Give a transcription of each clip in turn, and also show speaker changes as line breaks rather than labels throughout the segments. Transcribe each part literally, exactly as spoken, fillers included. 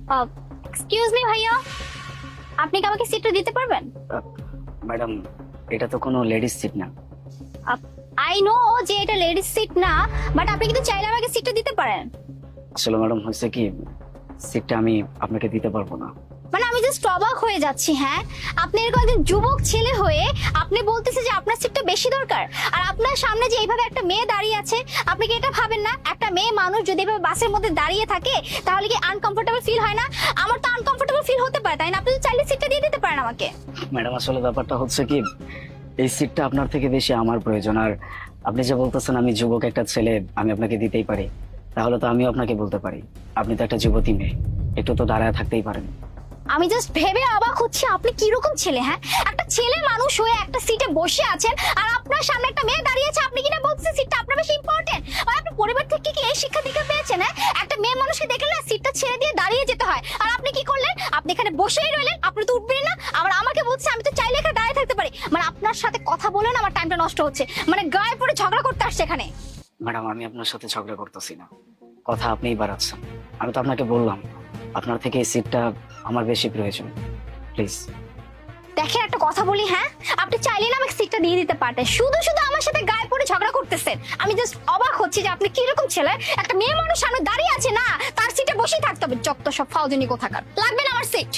Excuse me ভাইয়া, আপনি কি আমাকে সিটটা দিতে পারবেন?
ম্যাডাম, এটা তো কোনো লেডিস সিট না।
আই নো যে এটা লেডিস সিট না, বাট আপনি কিন্তু চাইলে আমাকে সিটটা দিতে পারেন।
আসলে ম্যাডাম হয়েছে কি, সিটটা আমি আপনাকে দিতে পারবো না।
মানে আমি জাস্ট অবাক হয়ে যাচ্ছি। হ্যাঁ, আপনি এরকম একজন যুবক ছেলে হয়ে আপনি বলতেছে যে আপনার সিটটা বেশি দরকার, আর আপনার সামনে যে এইভাবে একটা মেয়ে দাঁড়িয়ে আছে, আপনি কি এটা ভাবেন না একটা মেয়ে মানুষ যদি এভাবে বাসের মধ্যে দাঁড়িয়ে থাকে তাহলে কি আনকমফোর্টেবল ফিল হয় না? আমার তো আনকমফোর্টেবল ফিল হতে পারে, তাই না? আপনি তো চাইলে সিটটা দিয়ে দিতে পারেন আমাকে।
ম্যাডাম আসলে ব্যাপারটা হচ্ছে কি, এই সিটটা আপনার থেকে বেশি আমার প্রয়োজন। আর আপনি যে বলতেছেন আমি যুবক একটা ছেলে, আমি আপনাকে দিতেই পারি, তাহলে তো আমিও আপনাকে বলতে পারি আপনি তো একটা যুবতী মেয়ে, একটু তো দাঁড়ায় থাকতেই পারেন।
আমি জাস্ট ভেবে অবাক হচ্ছি আপনি কিরকম ছেলে। হ্যাঁ, একটা ছেলে মানুষ হয়ে একটা সিটে বসে আছেন, আর আপনার সামনে একটা মেয়ে দাঁড়িয়ে আছে, আপনি কিনা বলছেন সিটটা আপনার বেশি ইম্পর্টেন্ট। আর আপনি পরিবার থেকে কি এই শিক্ষা দীক্ষা পেয়েছেন? হ্যাঁ, একটা মেয়ে মানুষকে দেখলে না সিটটা ছেড়ে দিয়ে দাঁড়িয়ে যেতে হয়, আর আপনি কি করলেন? আপনি এখানে বসেই রইলেন, আপনি তো উঠবেন না, আবার আমাকে বলছে আমি তো চাইলে এখানে দাঁড়িয়ে থাকতে পারি। মানে আপনার সাথে কথা বলে না আমার টাইমটা নষ্ট হচ্ছে, মানে গায়ে পড়ে ঝগড়া করতে আসছে এখানে।
ম্যাডাম আমি আপনার সাথে ঝগড়া করতেছি না, কথা আপনিই বাড়াচ্ছেন। আমি তো আপনাকে বললাম আপনার থেকে এই সিটটা আমার বেশি প্রয়োজন, প্লিজ।
দেখেন একটা কথা বলি, হ্যাঁ, আপনি চাইলে না আমাকে সিটটা দিয়ে দিতে পারতেন, শুধু শুধু আমার সাথে গায়ে পড়ে ঝগড়া করতেছেন। আমি জাস্ট অবাক হচ্ছি যে আপনি কিরকম ছেলে, একটা মেয়ে মানুষ সামনে দাঁড়িয়ে আছে না, তার সিটে বসেই থাকতে হবে। যত সব ফাউজনি কোথাকার, লাগবে না আমার সিট।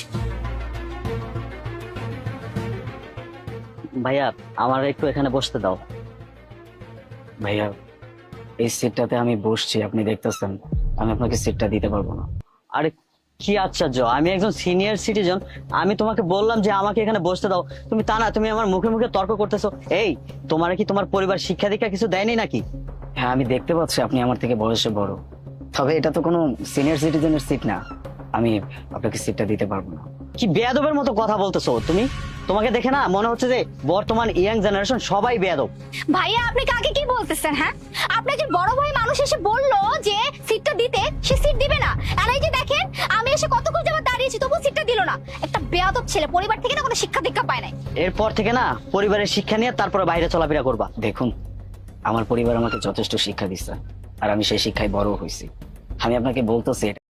ভাইয়া আমার একটু এখানে বসতে দাও।
ভাইয়া এই সিটটাতে আমি বসছি, আপনি দেখতেছেন, আমি আপনাকে সিটটা দিতে পারবো না।
আরে কি আশ্চর্য, আমি একজন সিনিয়র সিটিজেন, আমি তোমাকে বললাম যে আমাকে এখানে বসতে দাও, তুমি তা না, তুমি আমার মুখে মুখে তর্ক করতেছো। এই তোমার কি তোমার পরিবার শিক্ষা দীক্ষা কিছু দেয়নি নাকি?
হ্যাঁ আমি দেখতে পাচ্ছি আপনি আমার থেকে বয়সে বড়, তবে এটা তো কোনো সিনিয়র সিটিজেনের সিট না, আমি আপনাকে সিটটা দিতে পারবো না।
কি বেয়াদবের মতো কথা বলতেছো তুমি? তোমাকে দেখে না মনে হচ্ছে যে বর্তমান ইয়াং জেনারেশন সবাই বেয়াদব।
ভাইয়া আপনি কাকে কি বলতেছেন? হ্যাঁ, আপনার যে বড় ভাই মানুষ এসে বললো যে সিটটা দিতে, সে সিট দিবে না। আর এই যে দেখেন আমি এসে কতক্ষণ যাবত দাঁড়িয়েছি, তবু সিটটা দিল না। একটা বেয়াদব ছেলে, পরিবার থেকে না কোনো শিক্ষা দীক্ষা পায় নাই।
এরপর থেকে না পরিবারের শিক্ষা নিয়ে তারপরে বাইরে চলাফেরা করবা।
দেখুন, আমার পরিবার আমাকে যথেষ্ট শিক্ষা দিচ্ছে, আর আমি সেই শিক্ষায় বড় হয়েছি। আমি আপনাকে বলতেছি